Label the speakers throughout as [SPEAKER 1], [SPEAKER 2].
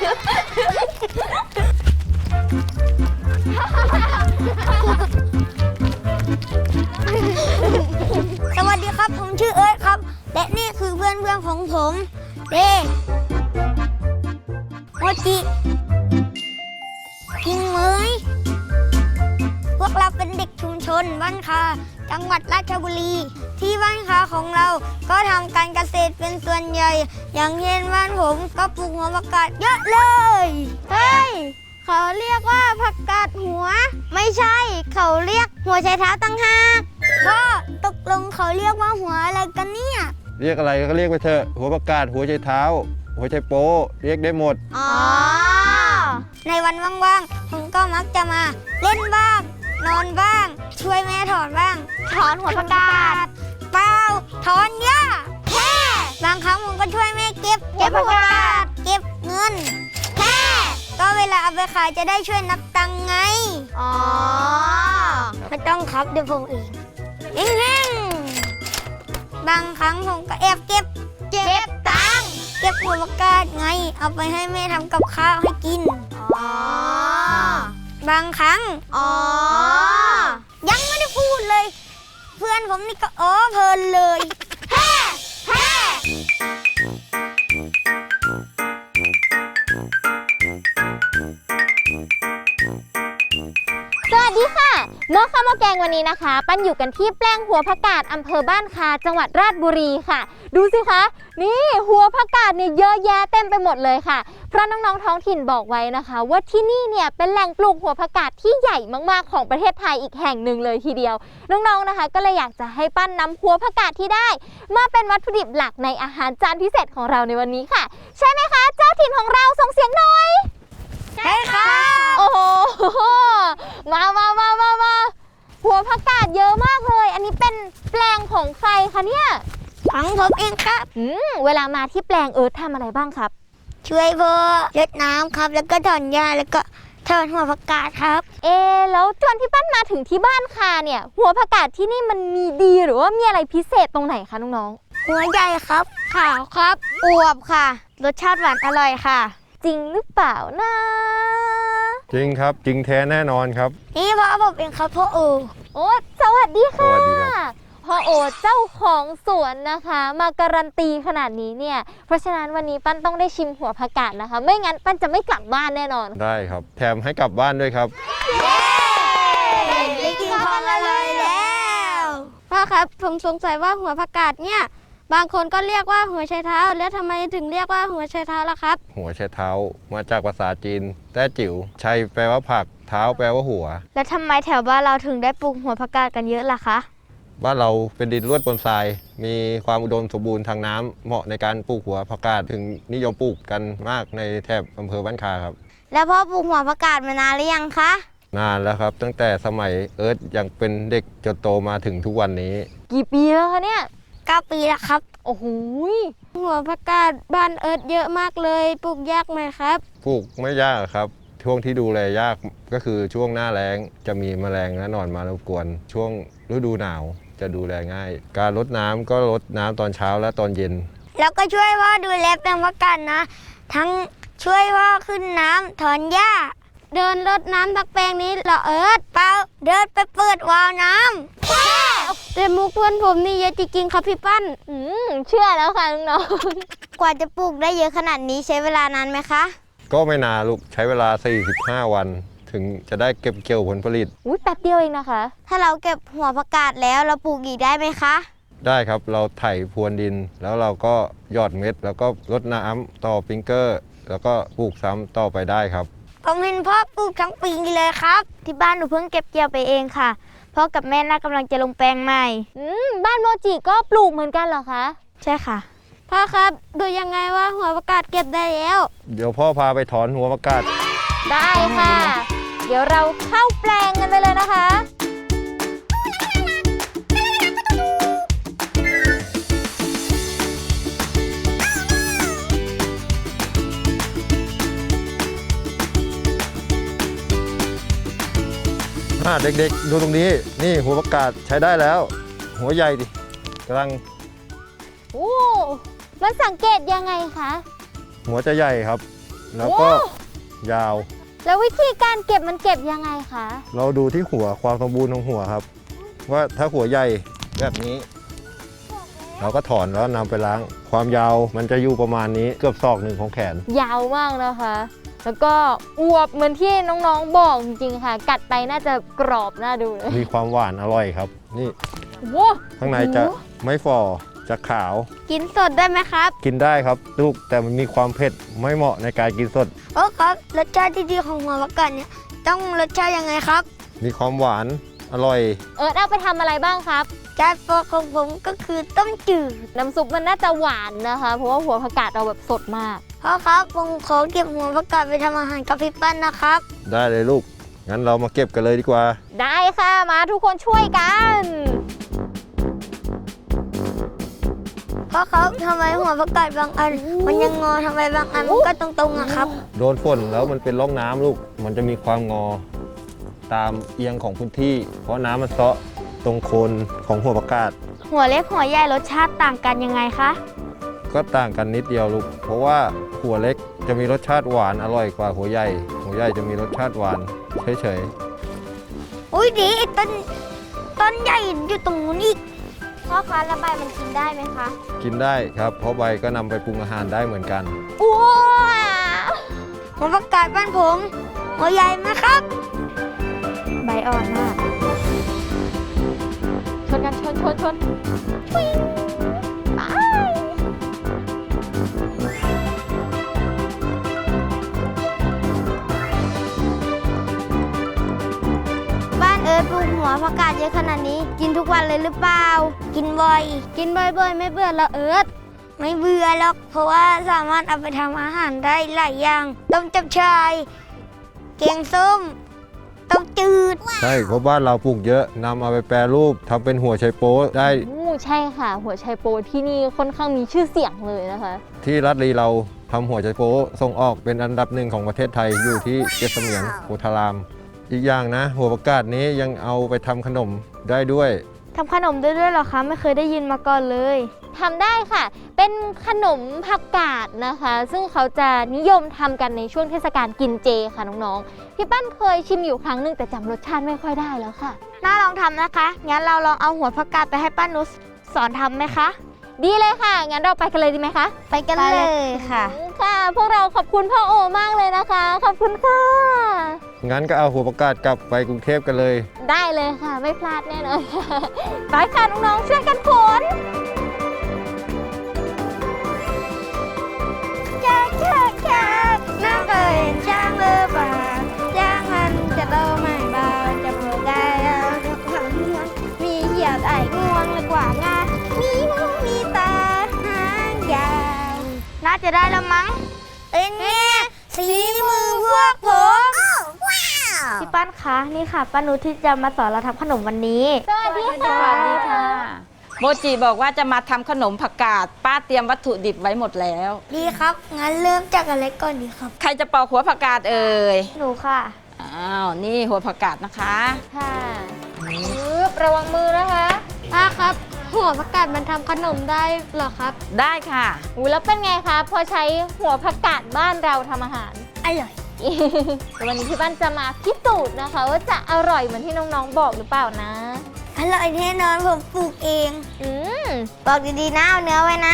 [SPEAKER 1] สวัสดีครับผมชื่อเอิร์ธครับและนี่คือเพื่อนของผมเดโมจิกิงเหมยพวกเราเป็นเด็กชุมชนบ้านคาจังหวัดราชบุรีที่บ้านคาของเราก็ทำการเกษตรเป็นส่วนใหญ่อย่างเช่นบ้านผมก็ปลูกหัวผักกาดเยอะเลยเฮ้ยเขาเรียกว่าผักกาดหัวไม่ใช่เขาเรียกหัวไชเท้าตั้งหากพ่อตกลงเขาเรียกว่าหัวอะไรกันเนี่ย
[SPEAKER 2] เรียกอะไรก็เรียกไปเถอะหัวผักกาดหัวไชเท้าหัวไชโป๊เรียกได้หมด
[SPEAKER 1] อ๋อในวันว่างๆผมก็มักจะมาเล่นบ้างนอนบ้างช่วยแม่ถอนบ้างถอนหัวผักกาดเปล่าถอนหญ้าแค่บางครั้งผมก็ช่วยแม่เก็บผักกาดเก็บเงินแค่ก็เวลาเอาไปขายจะได้ช่วยนับตังค์ไงอ๋อไม่ต้องครับเดี๋ยวผมเองแห้งๆบางครั้งผมก็แอบเก็บตังค์เก็บหัวผักกาดไงเอาไปให้แม่ทำกับข้าวให้กินอ๋อบางครั้งยังไม่ได้พูดเลยเพื่อนผมนี่ก็เพลินเลยแฮ่
[SPEAKER 3] สวัสดีค่ะหม้อข้าวหม้อแกงวันนี้นะคะปั้นอยู่กันที่แปลงหัวผักกาดอำเภอบ้านคาจังหวัดราชบุรีค่ะดูสิคะนี่หัวผักกาดเนี่ยเยอะแยะเต็มไปหมดเลยค่ะเพราะน้องๆท้องถิ่นบอกไว้นะคะว่าที่นี่เนี่ยเป็นแหล่งปลูกหัวผักกาดที่ใหญ่มากๆของประเทศไทยอีกแห่งหนึ่งเลยทีเดียวน้องๆนะคะก็เลยอยากจะให้ปั้นนำหัวผักกาดที่ได้มาเป็นวัตถุดิบหลักในอาหารจานพิเศษของเราในวันนี้ค่ะใช่ไหมคะเจ้าถิ่นของเราส่งเสียงหน่อย
[SPEAKER 1] ใช่ค่ะ
[SPEAKER 3] โอ้โหมาหัวผักกาดเยอะมากเลยอันนี้เป็นแปลงของใครคะเนี่ย
[SPEAKER 1] ของผมเองครับ
[SPEAKER 3] เวลามาที่แปลงทำอะไรบ้างครับ
[SPEAKER 1] ช่วยพ่อรดน้ำครับแล้วก็ถอนหญ้าแล้วก็ถอนหัวผักกาดครับ
[SPEAKER 3] แล้วจนที่ปั้นมาถึงที่บ้านคาเนี่ยหัวผักกาดที่นี่มันมีดีหรือว่ามีอะไรพิเศษตรงไหนคะน้อง
[SPEAKER 1] ๆหัวใหญ่ครับขาวครับอวบค่ะรสชาติหวานอร่อยค่ะ
[SPEAKER 3] จริงหรือเปล่านะ
[SPEAKER 2] จริงครับจริงแท้แน่นอนครับ
[SPEAKER 1] นี่พ่อผมเองครับพ่อโอ
[SPEAKER 3] สวัสดีค่ะ
[SPEAKER 2] สวัสดีครับ
[SPEAKER 3] พ่อโอเจ้าของสวนนะคะมาการันตีขนาดนี้เนี่ยเพราะฉะนั้นวันนี้ปั้นต้องได้ชิมหัวผักกาดนะคะไม่งั้นปั้นจะไม่กลับบ้านแน่นอน
[SPEAKER 2] ได้ครับแถมให้กลับบ้านด้วยครับ
[SPEAKER 1] ได้กินของอร่อยแล้วพ่อครับผมสงสัยว่าหัวผักกาดเนี่ยบางคนก็เรียกว่าหัวไชเท้าแล้วทำไมถึงเรียกว่าหัวไชเท้าล่ะครับ
[SPEAKER 2] หัวไชเท้ามาจากภาษาจีนแต้จิ๋วไชแปลว่าผักเท้าแปลว่าหัว
[SPEAKER 1] แล้วทำไมแถวบ้านเราถึงได้ปลูกหัวผักกาดกันเยอะล่ะคะ
[SPEAKER 2] บ้านเราเป็นดินร่วนปนทรายมีความอุดมสมบูรณ์ทางน้ำเหมาะในการปลูกหัวผักกาดถึงนิยมปลูกกันมากในแถบอำเภอบ้านคาครับ
[SPEAKER 1] แล้วพ่อปลูกหัวผักกาดมานานหรือยังคะ
[SPEAKER 2] นานแล้วครับตั้งแต่สมัยเอิร์ธยังเป็นเด็กจนโตมาถึงทุกวันนี้
[SPEAKER 3] กี่ปีแล้วคะเนี่ย
[SPEAKER 1] 9 ปีแล้วครับ
[SPEAKER 3] โอ้โห
[SPEAKER 1] หัวผักกาดบ้านเอิร์ธเยอะมากเลยปลูกยากไหมครับ
[SPEAKER 2] ปลูกไม่ยากครับช่วงที่ดูแลยากก็คือช่วงหน้าแล้งจะมีแมลงและหนอนมารบกวนช่วงฤดูหนาวจะดูแลง่ายการรดน้ำก็รดน้ำตอนเช้าและตอนเย็น
[SPEAKER 1] แล้วก็ช่วยพ่อดูแลแปลงผักกาดนะทั้งช่วยพ่อขึ้นน้ำถอนหญ้าเดินรดน้ำทักแปลงนี้เหรอเอิร์ธเปล่าเดินไปเปิดวาล์วน้ำแต่มุกเพื่อนผมนี่เยอะจริงๆครับพี่ปั้น
[SPEAKER 3] เชื่อแล้วค่ะน้อง
[SPEAKER 1] กว่าจะปลูกได้เยอะขนาดนี้ใช้เวลานานไหมคะ
[SPEAKER 2] ก็ไม่นานลูกใช้เวลา45 วันถึงจะได้เก็บเกี่ยวผลผลิต
[SPEAKER 3] แป๊บเดียวเองนะคะ
[SPEAKER 1] ถ้าเราเก็บหัวผักกาดแล้วเราปลูกอีกได้ไหมคะ
[SPEAKER 2] ได้ครับเราไถพรวนดินแล้วเราก็หยอดเม็ดแล้วก็รดน้ำต่อปิงเกอร์แล้วก็ปลูกซ้ำต่อไปได้ครับ
[SPEAKER 1] ผมเห็นพ่อปลูกทั้งปีเลยครับที่บ้านหนูเพิ่งเก็บเกี่ยวไปเองค่ะพ่อกับแม่น่ากำลังจะลงแปลงใหม่
[SPEAKER 3] บ้านโมจิก็ปลูกเหมือนกันเหรอคะ
[SPEAKER 1] ใช่ค่ะพ่อครับดูยังไงว่าหัวผักกาดเก็บได้แล้ว
[SPEAKER 2] เดี๋ยวพ่อพาไปถอนหัวผักกาด
[SPEAKER 3] ได้ค่ะเดี๋ยวเราเข้าแปลงกันไปเลยนะคะ
[SPEAKER 2] เด็กๆดูตรงนี้นี่หัวผักกาดใช้ได้แล้วหัวใหญ่ดิกำลัง
[SPEAKER 3] มันสังเกตยังไงคะ
[SPEAKER 2] หัวจะใหญ่ครับแล้วก็ยาว
[SPEAKER 3] แล้ววิธีการเก็บมันเก็บยังไงคะ
[SPEAKER 2] เราดูที่หัวความสมบูรณ์ของหัวครับ ว่าถ้าหัวใหญ่แบบนี้ เราก็ถอนแล้วนำไปล้าง ความยาวมันจะอยู่ประมาณนี้เกือบศอกหนึ่งของแขน
[SPEAKER 3] ยาวมากนะคะ แล้วก็อวบเหมือนที่น้องๆบอกจริงๆค่ะ กัดไปน่าจะกรอบน่าดูเลย
[SPEAKER 2] มีความหวานอร่อยครับ นี่
[SPEAKER 3] โว้
[SPEAKER 2] ข้างในจะไม่ฝ่อจะขาว
[SPEAKER 1] กินสดได้ไหมครับ
[SPEAKER 2] กินได้ครับลูกแต่มันมีความเผ็ดไม่เหมาะในการกินสด
[SPEAKER 1] โอ้ครับรสชาติที่ดีของหัวผักกาดเนี่ยต้องรสชาติยังไงครับ
[SPEAKER 2] มีความหวานอร่อย
[SPEAKER 3] เอิร์ธเอาไปทำอะไรบ้างครับ
[SPEAKER 1] จานโปรดของผมก็คือต้มจืด
[SPEAKER 3] น้ำซุปมันน่าจะหวานนะคะ เพราะว่าหัวผักกาดเราแบบสดมาก
[SPEAKER 1] พ่อครับผมขอเก็บหัวผักกาดไปทำอาหารกับพี่ปั้นนะครับ
[SPEAKER 2] ได้เลยลูก งั้นเรามาเก็บกันเลยดีกว่า
[SPEAKER 3] ได้ค่ะมาทุกคนช่วยกัน
[SPEAKER 1] พ่อครับทำไมหัวผักกาดบางอัน มันยังงอทำไมบางอันมันก็ตรงๆอะครับ
[SPEAKER 2] โดนฝนแล้วมันเป็นร่องน้ำลูก มันจะมีความงอตามเอียงของพื้นที่ เพราะน้ำมันเซาะตรงโคนของหัวประกาศ
[SPEAKER 1] หัวเล็กหัวใหญ่รสชาติต่างกันยังไงคะ
[SPEAKER 2] ก็ต่างกันนิดเดียวลูก เพราะว่าหัวเล็กจะมีรสชาติหวานอร่อยกว่าหัวใหญ่ หัวใหญ่จะมีรสชาติหวานเฉย
[SPEAKER 1] อุ้ยดีไอ้ต้นใหญ่อยู่ตรงนู้นอีก
[SPEAKER 3] พ่อคะแล้วใบมันกินได้ไหมคะ
[SPEAKER 2] ๆ กินได้ครับ เพราะใบก็นำไปปรุงอาหารได้เหมือนกัน
[SPEAKER 3] ว้า
[SPEAKER 1] หัวผักกาดบ้านผม หัวใหญ่ไหมครับ
[SPEAKER 3] ใบอ่อนมากชนกันชนชนปิ๊งไป
[SPEAKER 1] บ้านเอิร์ธปลูกหัวผักกาดเยอะขนาดนี้ กินทุกวันเลยหรือเปล่า กินบ่อย กินบ่อยๆ ไม่เบื่อแล้วเอิร์ธไม่เบื่อหรอก เพราะว่าสามารถเอาไปทำอาหารได้หลายอย่าง ต้มจับชายแกงส้ม ต้มจืด
[SPEAKER 2] ใช่ เพราะบ้านเราปลูกเยอะนำเอาไปแปรรูปทำเป็นหัวไชโป๊ได้
[SPEAKER 3] ใช่ค่ะ หัวไชโปที่นี่ค่อนข้างมีชื่อเสียงเลยนะคะ
[SPEAKER 2] ที่รัฐลีเราทำหัวไชโป๊ส่งออกเป็นอันดับหนึ่งของประเทศไทยอยู่ที่เกษเมียงโพธาราม อีกอย่างนะ หัวประกาศนี้ยังเอาไปทำขนมได้ด้วย
[SPEAKER 1] ทำขนมได้ด้วยเหรอคะ ไม่เคยได้ยินมาก่อนเลย
[SPEAKER 3] ทำได้ค่ะ เป็นขนมผักกาดนะคะ ซึ่งเขาจะนิยมทำกันในช่วงเทศกาลกินเจค่ะน้องๆ พี่ปั้นเคยชิมอยู่ครั้งหนึ่งแต่จำรสชาติไม่ค่อยได้แล้วค่ะ
[SPEAKER 1] น่าลองทำนะคะ งั้นเราลองเอาหัวผักกาดไปให้ป้านุชสอนทำไหมคะ
[SPEAKER 3] ดีเลยค่ะ งั้นเราไปกันเลยดีไหมคะ
[SPEAKER 1] ไปกันเลยค่ะ
[SPEAKER 3] ค่ะ พวกเราขอบคุณพ่อโอมากเลยนะคะ ขอบคุณค่ะ
[SPEAKER 2] งั้นก็เอาหัวประกาศกลับไปกรุงเทพกันเลย
[SPEAKER 3] ได้เลยค่ะ ไม่พลาดแน่นอนค่ะไปค่ะน้องๆ ช่วยกันขน
[SPEAKER 1] น้ำเอ่ยช่างเลือบาช่างมันจะโตไม่บาจะปลูกได้เอาทุกครั้งมีเหี่ยวไอ้งวงเลยกว่างามีหูมีตาหางยาวน่าจะได้แล้วมั้งเป็นไงสีมือพวกผมพี่ปั้นคะนี่ค่ะป้านุชที่จะมาสอนเราทำขนมวันนี้
[SPEAKER 3] สวัสดีค่ะ
[SPEAKER 4] สวัสดีค่ะ โมจิบอกว่าจะมาทำขนมผักกาดป้าเตรียมวัตถุดิบไว้หมดแล้ว
[SPEAKER 1] ดีครับ งั้นเริ่มจากอะไรก่อนดีครับ
[SPEAKER 4] ใครจะปอกหัวผักกาดเอ่ย
[SPEAKER 1] หนูค่ะ
[SPEAKER 4] อ้าวนี่หัวผักกาดนะคะ
[SPEAKER 3] ค่ะปึ๊บระวังมือนะคะ
[SPEAKER 1] ป้าครับ หัวผักกาดมันทำขนมได้เหรอครับ
[SPEAKER 4] ได้ค่ะ
[SPEAKER 3] อุ้ยแล้วเป็นไงคะพอใช้หัวผักกาดบ้านเราทำอาหาร
[SPEAKER 1] อร่อย
[SPEAKER 3] แต่วันนี้พี่บ้านจะมาพิสูจน์นะคะ ว่าจะอร่อยเหมือนที่น้องๆบอกหรือเปล่านะ
[SPEAKER 1] อร่อยแน่นอนผมปลูกเอง
[SPEAKER 3] อืม
[SPEAKER 1] บอกดีๆนะเอาเนื้อไว้นะ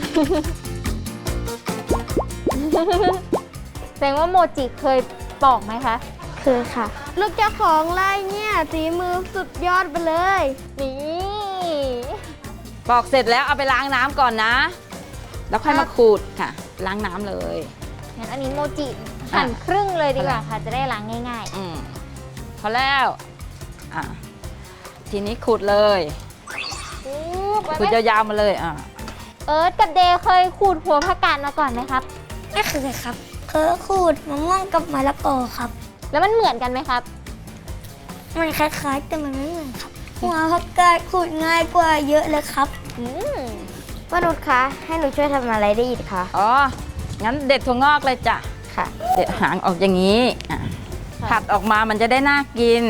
[SPEAKER 3] แสดงว่าโมจิเคยปอกไหมคะ
[SPEAKER 1] คือค่ะ ลูกเจ้าของไร่เนี่ยสีมือสุดยอดไปเลย
[SPEAKER 3] นี่
[SPEAKER 4] ปอกเสร็จแล้วเอาไปล้างน้ำก่อนนะ แล้วค่อยมาขูดค่ะ ล้างน้ำเลย
[SPEAKER 3] งั้นอันนี้โมจิหั่นครึ่งเลยดีกว่าค่ะ จะได้ล้างง่าย
[SPEAKER 4] อืมพอแล้วอ่ะทีนี้ขูดเลย
[SPEAKER 3] ๆปึ๊บ
[SPEAKER 4] ขูดยาวๆมาเลยอ่ะ
[SPEAKER 3] เอิร์ธกับเดย์เคยขูดหัวผักกาดมาก่อนไหมครับ
[SPEAKER 1] ไม่เคยครับ เคยขูดมะม่วงกับมะละกอครับ
[SPEAKER 3] แล้วมันเหมือนกันไหมครับ
[SPEAKER 1] มันคล้ายๆ แต่มันไม่เหมือนครับ หัวผักกาดขูดง่ายกว่าเยอะเลยครับ
[SPEAKER 3] อืม
[SPEAKER 1] ป้านุชคะ ให้หนูช่วยทำอะไรได้อีกคะ
[SPEAKER 4] อ๋อ งั้นเด็ดถั่วงอกเลยจ้ะ
[SPEAKER 1] ค่ะ
[SPEAKER 4] เด็ดหางออกอย่างนี้อ่ะผัดออกมามันจะได้น่ากิน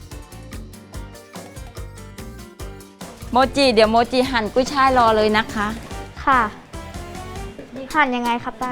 [SPEAKER 4] โมจิเดี๋ยวโมจิหั่นกุ้ยช่ายรอเลยนะคะ
[SPEAKER 1] ค่ะหั่นยังไงครับป้า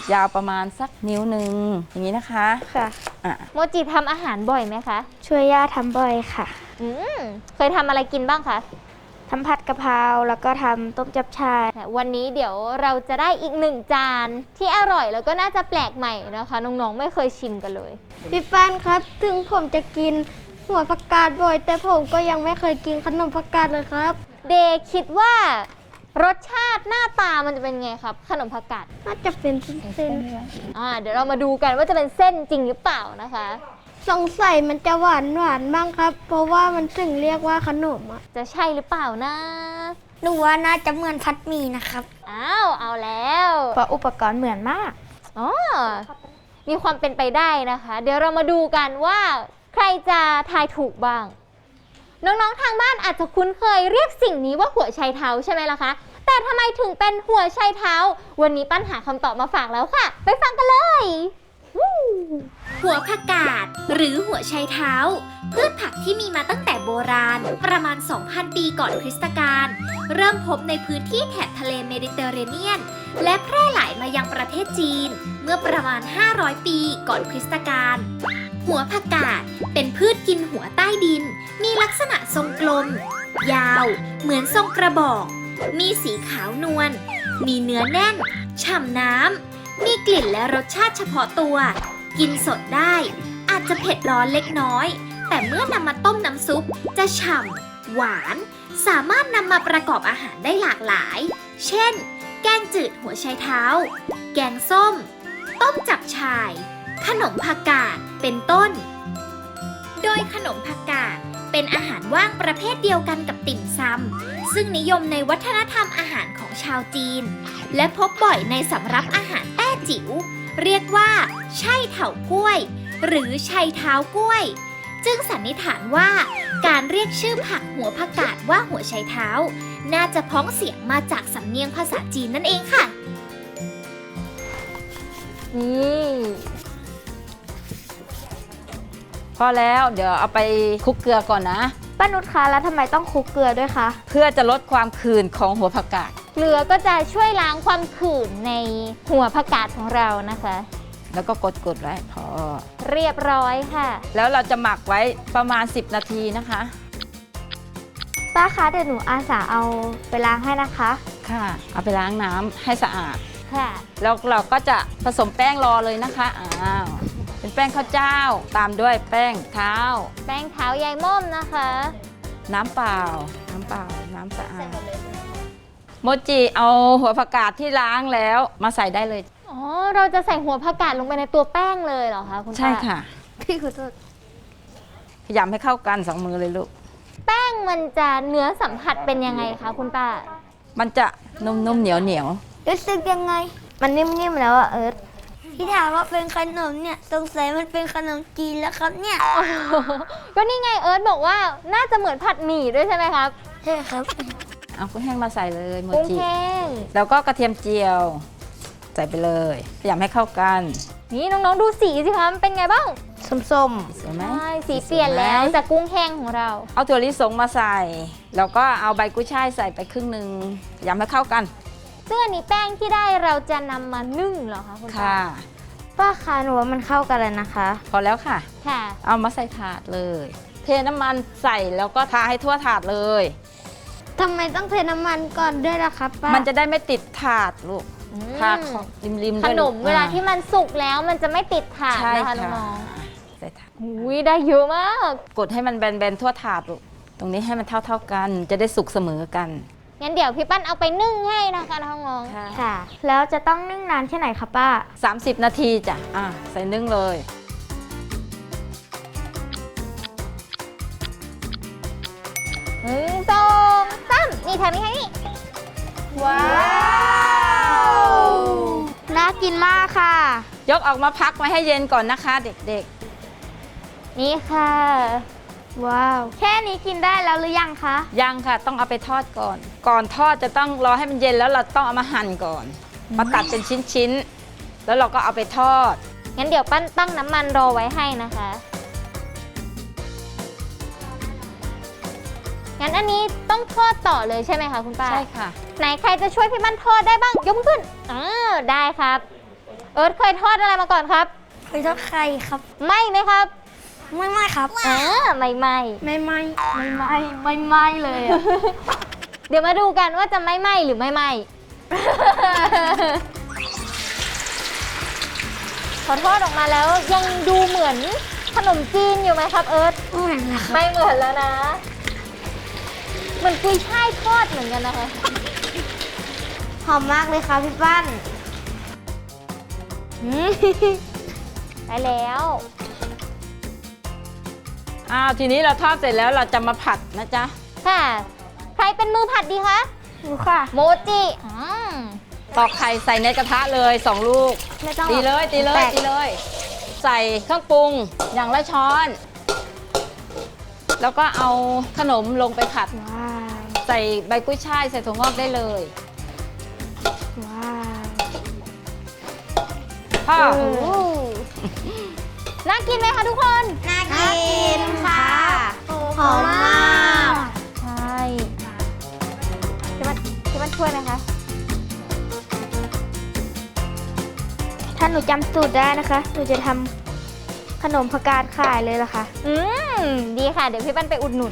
[SPEAKER 4] ยาวประมาณสักนิ้วหนึ่งอย่างนี้นะคะ
[SPEAKER 1] ค่ะ
[SPEAKER 4] อ่ะ
[SPEAKER 3] โมจิทำอาหารบ่อยไหมคะ
[SPEAKER 1] ช่วยย่าทำบ่อยค่ะ
[SPEAKER 3] อืมเคยทำอะไรกินบ้างคะ
[SPEAKER 1] ทำผัดกะเพราแล้วก็ทำต้มจับชาย
[SPEAKER 3] วันนี้เดี๋ยวเราจะได้อีกหนึ่งจานที่อร่อยแล้วก็น่าจะแปลกใหม่นะคะน้องๆไม่เคยชิมกันเลย
[SPEAKER 1] พี่ป้านครับ ถึงผมจะกินหัวผักกาดบ่อย แต่ผมก็ยังไม่เคยกินขนมผักกาดเลยครับ
[SPEAKER 3] เดย์คิดว่ารสชาติหน้าตามันจะเป็นไงครับ ขนมผักกาด
[SPEAKER 1] น่าจะเป็นเส้น
[SPEAKER 3] เดี๋ยวเรามาดูกันว่าจะเป็นเส้นจริงหรือเปล่านะคะ
[SPEAKER 1] สงสัยมันจะหวานบ้างครับ เพราะว่ามันถึงเรียกว่าขนมอ่ะ
[SPEAKER 3] จะใช่หรือเปล่านะ
[SPEAKER 1] หนูว่าน่าจะเหมือนพัดหมี่นะครับ
[SPEAKER 3] เอาแล้ว
[SPEAKER 1] เพราะอุปกรณ์เหมือนมาก
[SPEAKER 3] อ๋อมีความเป็นไปได้นะคะ เดี๋ยวเรามาดูกันว่าใครจะทายถูกบ้าง น้องๆทางบ้านอาจจะคุ้นเคยเรียกสิ่งนี้ว่าหัวไชเท้าใช่ไหมล่ะคะ แต่ทำไมถึงเป็นหัวไชเท้า วันนี้ปั้นหาคำตอบมาฝากแล้วค่ะ ไปฟังกันเลยวู้
[SPEAKER 5] หัวผักกาดหรือหัวไชเท้า พืชผักที่มีมาตั้งแต่โบราณประมาณ 2,000 ปีก่อนคริสตกาลเริ่มพบในพื้นที่แถบทะเลเมดิเตอร์เรเนียน และแพร่หลายมายังประเทศจีน เมื่อประมาณ 500 ปีก่อนคริสตกาลหัวผักกาดเป็นพืชกินหัวใต้ดิน มีลักษณะทรงกลม ยาว เหมือนทรงกระบอก มีสีขาวนวลมีเนื้อแน่น ฉ่ำน้ำมีกลิ่นและรสชาติเฉพาะตัว กินสดได้ อาจจะเผ็ดร้อนเล็กน้อย แต่เมื่อนำมาต้มน้ำซุปจะฉ่ำหวาน สามารถนำมาประกอบอาหารได้หลากหลาย เช่น แกงจืดหัวไชเท้า แกงส้ม ต้มจับฉ่าย ขนมผักกาด เป็นต้น โดยขนมผักกาดเป็นอาหารว่างประเภทเดียวกันกับติ่มซำซึ่งนิยมในวัฒนธรรมอาหารของชาวจีน และพบบ่อยในสำรับอาหารแต้จิ๋ว เรียกว่าไช่เถากล้วย หรือไชเท้ากล้วย จึงสันนิษฐานว่าการเรียกชื่อผักหัวผักกาดว่าหัวไชเท้า น่าจะพ้องเสียงมาจากสำเนียงภาษาจีนนั่นเองค่ะ
[SPEAKER 3] นี่
[SPEAKER 4] พอแล้วเดี๋ยวเอาไปคลุกเกลือก่อนนะ
[SPEAKER 1] ป้านุชคะแล้วทำไมต้องคลุกเกลือด้วยคะ
[SPEAKER 4] เพื่อจะลดความขื่นของหัวผักกาด
[SPEAKER 3] เกลือก็จะช่วยล้างความขื่นในหัวผักกาดของเรานะคะ
[SPEAKER 4] แล้วก็กดไว้พอ
[SPEAKER 3] เรียบร้อยค่ะ
[SPEAKER 4] แล้วเราจะหมักไว้ประมาณ10 นาทีนะคะ
[SPEAKER 1] ป้าคะเดี๋ยวหนูอาสาเอาไปล้างให้นะคะ
[SPEAKER 4] ค่ะ เอาไปล้างน้ำให้สะอาด
[SPEAKER 3] ค่ะ
[SPEAKER 4] แล้วเราก็จะผสมแป้งรอเลยนะคะเป็นแป้งข้าวเจ้าตามด้วยแป้งเท้า
[SPEAKER 3] แป้งเท้ายายม่อมนะคะ
[SPEAKER 4] น้ำเปล่า น้ำสะอาดโมจิเอาหัวผักกาดที่ล้างแล้วมาใส่ได้เลย
[SPEAKER 3] อ๋อ เราจะใส่หัวผักกาดลงไปในตัวแป้งเลยเหรอคะคุณป้า
[SPEAKER 4] ใช่ค่ะ
[SPEAKER 1] พี่ขอโทษ
[SPEAKER 4] พยายามให้เข้ากัน2 มือเลยลูก
[SPEAKER 3] แป้งมันจะเนื้อสัมผัสเป็นยังไงคะคุณป้า
[SPEAKER 4] มันจะนุ่มๆเหนียว
[SPEAKER 1] รู้สึกยังไง มันนิ่มๆแล้วอะเอิร์ธที่ถามว่าเป็นขนมเนี่ยสงสัยมันเป็นขนมจีนแล้วครับเนี่ย
[SPEAKER 3] ก็นี่ไงเอิร์ธบอกว่าน่าจะเหมือนผัดหมี่ด้วยใช่ไหมครับ
[SPEAKER 1] ใช่ครับ
[SPEAKER 4] ๆเอากุ้งแห้งมาใส่เลยโม
[SPEAKER 3] กุ้ง
[SPEAKER 4] จิ
[SPEAKER 3] แห้ง
[SPEAKER 4] แล้วก็กระเทียมเจียว ใส่ไปเลยพยายามให้เข้ากัน
[SPEAKER 3] นี่น้องๆดูสีสิคะมันเป็นไงบ้าง
[SPEAKER 1] ส้ม
[SPEAKER 4] สวยไหม
[SPEAKER 3] ใช่สีเปลี่ยนแล้วจากกุ้งแห้งของเรา
[SPEAKER 4] เอาถั่วลิสงมาใส่ แล้วก็เอาใบกุ้ยช่ายใส่ไปครึ่งหนึ่งพยายามให้เข้ากัน
[SPEAKER 3] ซึ่งอันนี้แป้งที่ได้เราจะนำมานึ่งเหรอคะคุณป้า
[SPEAKER 4] ค่ะ
[SPEAKER 1] ๆป้าคะหนูว่ามันเข้ากันเลยนะคะ
[SPEAKER 4] พอแล้วค่ะ
[SPEAKER 3] ค่ะ
[SPEAKER 4] เอามาใส่ถาดเลย เทน้ำมันใส่แล้วก็ทาให้ทั่วถาดเลย
[SPEAKER 1] ทำไมต้องเทน้ำมันก่อนด้วยล่ะครับป้า
[SPEAKER 4] มันจะได้ไม่ติดถาดลูก
[SPEAKER 3] อืม
[SPEAKER 4] ทาของริมๆ
[SPEAKER 3] ข
[SPEAKER 4] ด้วย
[SPEAKER 3] น
[SPEAKER 4] ลูก
[SPEAKER 3] มเวลาที่มันสุกแล้วมันจะไม่ติดถาด
[SPEAKER 4] ใช่
[SPEAKER 3] นะคะ
[SPEAKER 4] ค่ะ
[SPEAKER 3] น้อง
[SPEAKER 4] ใส่ถาด
[SPEAKER 3] ๆหุยได้เยอะมาก
[SPEAKER 4] กดให้มันแบนๆทั่วถาดลูก ตรงนี้ให้มันเท่าๆกัน จะได้สุกเสมอกัน
[SPEAKER 3] งั้นเดี๋ยวพี่ปั้นเอาไปนึ่งให้นะคะน้อง
[SPEAKER 1] ค่ะ แล้วจะต้องนึ่งนานแค่ไหนคะป้า
[SPEAKER 4] 30 นาทีจ้ะใส่นึ่งเลย
[SPEAKER 3] ๆ1 2 3นี่ทางนี้ทางนี้
[SPEAKER 1] ว้าว น่ากินมากค่ะ
[SPEAKER 4] ยกออกมาพักไว้ให้เย็นก่อนนะคะ เด็ก
[SPEAKER 3] นี่ค่ะ
[SPEAKER 1] ว้าว แค่นี้กินได้แล้วหรือยังคะ
[SPEAKER 4] ๆ ยังค่ะ ต้องเอาไปทอดก่อน ก่อนทอดจะต้องรอให้มันเย็นแล้วเราต้องเอามาหั่นก่อน มาตัดเป็นชิ้นๆ แล้วเราก็เอาไปทอด
[SPEAKER 3] งั้นเดี๋ยวปั้นตั้งน้ำมันรอไว้ให้นะคะ งั้นอันนี้ต้องทอดต่อเลยใช่ไหมคะคุณป้า
[SPEAKER 4] ใช่ค่ะ
[SPEAKER 3] ไหนใครจะช่วยพี่ปั้นทอดได้บ้างยกมือขึ้นได้ครับเอิร์ธเคยทอดอะไรมาก่อนครับ
[SPEAKER 1] เคยทอดไข่ครับ
[SPEAKER 3] ไหม้ไหมครับ
[SPEAKER 1] ไม่ครับ
[SPEAKER 3] ไม่ไหม้
[SPEAKER 1] ไม่เลยอะ
[SPEAKER 3] เดี๋ยวมาดูกันว่าจะไม่ไหม้หรือไม่ไหม้ พอทอดออกมาแล้วยังดูเหมือนขนมจีนอยู่ไหมครับเอิร์ธ
[SPEAKER 1] ไม่เหมือนเลยครับ
[SPEAKER 3] ไม่เหมือนแล้วนะ เหมือนกุยช่ายทอดเหมือนกันนะคะ
[SPEAKER 1] หอมมากเลยค่ะพี่ปั้น
[SPEAKER 3] ได้แล้ว
[SPEAKER 4] ทีนี้เราทอดเสร็จแล้วเราจะมาผัดนะจ๊ะ
[SPEAKER 3] ค่ะ ใครเป็นมือผัดดีคะ
[SPEAKER 1] หนูค่ะ
[SPEAKER 3] โมจิ
[SPEAKER 4] ตอกไข่ใส่ในกระทะเลย2 ลูก
[SPEAKER 1] ไม่ต้อง
[SPEAKER 4] ตีเลย ใส่เครื่องปรุงอย่างละช้อน แล้วก็เอาขนมลงไปผัด
[SPEAKER 1] ว้าว
[SPEAKER 4] ใส่ใบกุ้ยช่ายใส่ถั่วงอกได้เลย
[SPEAKER 1] ว้าว
[SPEAKER 4] พ่อ
[SPEAKER 3] น่ากินไหมคะทุกคน
[SPEAKER 1] น่ากินค่ะหอมมาก
[SPEAKER 3] ใช่ที่มันช่วยไหมคะ
[SPEAKER 1] ถ้าหนูจำสูตรได้นะคะ หนูจะทำขนมผักกาดขายเลยล่ะค่ะ
[SPEAKER 3] ดีค่ะ เดี๋ยวพี่ปั้นไปอุดหนุน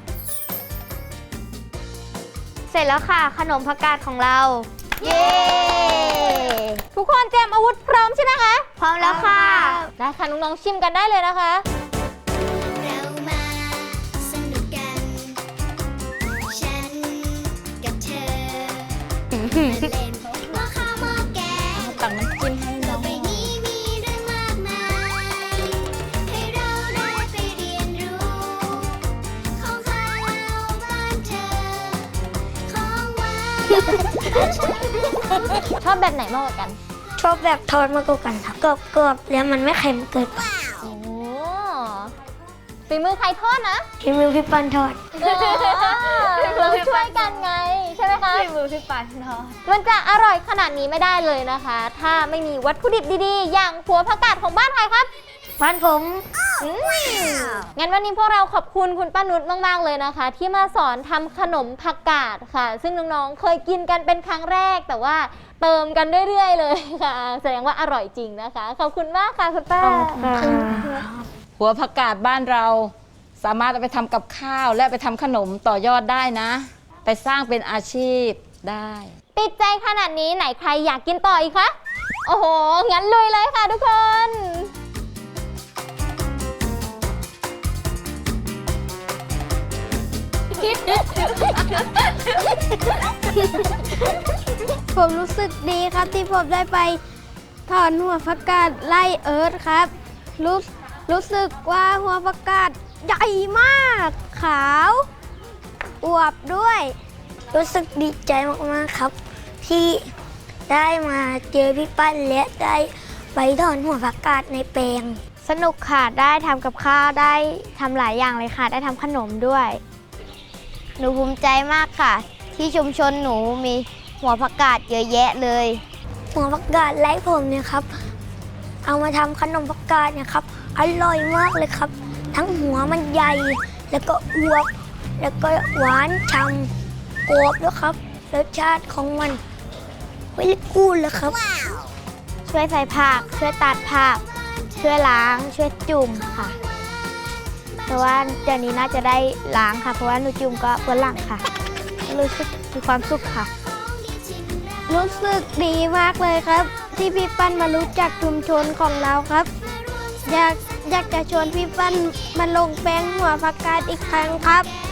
[SPEAKER 1] เสร็จแล้วค่ะขนมผักกาดของเรา
[SPEAKER 3] เย้ ทุกคนเตรียมอาวุธพร้อมใช่ไหมคะ
[SPEAKER 1] พร้อมแล้วค่ะ
[SPEAKER 3] ได้ค่ะน้องๆชิมกันได้เลยนะคะ
[SPEAKER 6] เรามาสนุกกัน ฉันกับเธอ มาเล่นหม้อข้าวหม้อแกง
[SPEAKER 4] ตักน้ำจิ้มให้น้อง
[SPEAKER 6] ใบนี้มีเรื่องมากมาย ให้เราได้ไปเรียนรู้ ของข้าวบ้านเธอ ของหวาน
[SPEAKER 3] ชอบแบบไหนมากกว่ากัน
[SPEAKER 1] ชอบแบบทอดมากกว่ากันครับกรอบๆแล้วมันไม่เค็มเกินไป
[SPEAKER 3] โอ้ฝีมือใครทอดนะ
[SPEAKER 1] ที่มือพี่ปั้นทอด
[SPEAKER 3] เราช่วยกันไง ใช่ไหมคะ
[SPEAKER 1] ที่มือพี่ปั้นทอด
[SPEAKER 3] มันจะอร่อยขนาดนี้ไม่ได้เลยนะคะ ถ้าไม่มีวัตถุดิบดีๆ อย่างหัวผักกาดของบ้านใครครับ
[SPEAKER 1] บ้านผม
[SPEAKER 3] งั้นวันนี้พวกเราขอบคุณคุณป้านุชมากๆเลยนะคะ ที่มาสอนทำขนมผักกาดค่ะ ซึ่งน้องๆเคยกินกันเป็นครั้งแรก แต่ว่าเติมกันเรื่อยๆเลยค่ะ แสดงว่าอร่อยจริงนะคะ ขอบคุณมากค่ะคุณป้า
[SPEAKER 4] หัวผักกาดบ้านเรา สามารถเอาไปทำกับข้าวและไปทำขนมต่อยอดได้นะ ไปสร้างเป็นอาชีพได้
[SPEAKER 3] ติดใจขนาดนี้ไหนใครอยากกินต่ออีกคะ โอ้โห งั้นลุยเลยค่ะทุกคน
[SPEAKER 1] ผมรู้สึกดีครับที่ผมได้ไปถอนหัวผักกาดไล่เอิร์ธครับ รู้สึกว่าหัวผักกาดใหญ่มาก ขาวอวบด้วย รู้สึกดีใจมากๆครับ ที่ได้มาเจอพี่ปั้นและได้ไปถอนหัวผักกาดในแปลง สนุกค่ะได้ทำกับข้าวได้ทำหลายอย่างเลยค่ะ ได้ทำขนมด้วย หนูภูมิใจมากค่ะ ที่ชุมชนหนูมีหัวผักกาดเยอะแยะเลย หัวผักกาดไร้ผมเนี่ยครับ เอามาทำขนมผักกาดเนี่ยครับ อร่อยมากเลยครับ ทั้งหัวมันใหญ่ แล้วก็อวบ แล้วก็หวานฉ่ำกรอบด้วยครับรสชาติของมันเวลิกูดเลยครับ ช่วยใส่ผักช่วยตัดผักช่วยล้างช่วยจุ่มค่ะ แต่ว่าเดี๋ยวนี้น่าจะได้ล้างค่ะ เพราะว่าหนูจุ่มก็เปื้อนหลังค่ะ รู้สึกมีความสุขค่ะ รู้สึกดีมากเลยครับ ที่พี่ปั้นมารู้จักชุมชนของเราครับ อยากจะชวนพี่ปั้นมาลงแปลงหัวผักกาดอีกครั้งครับ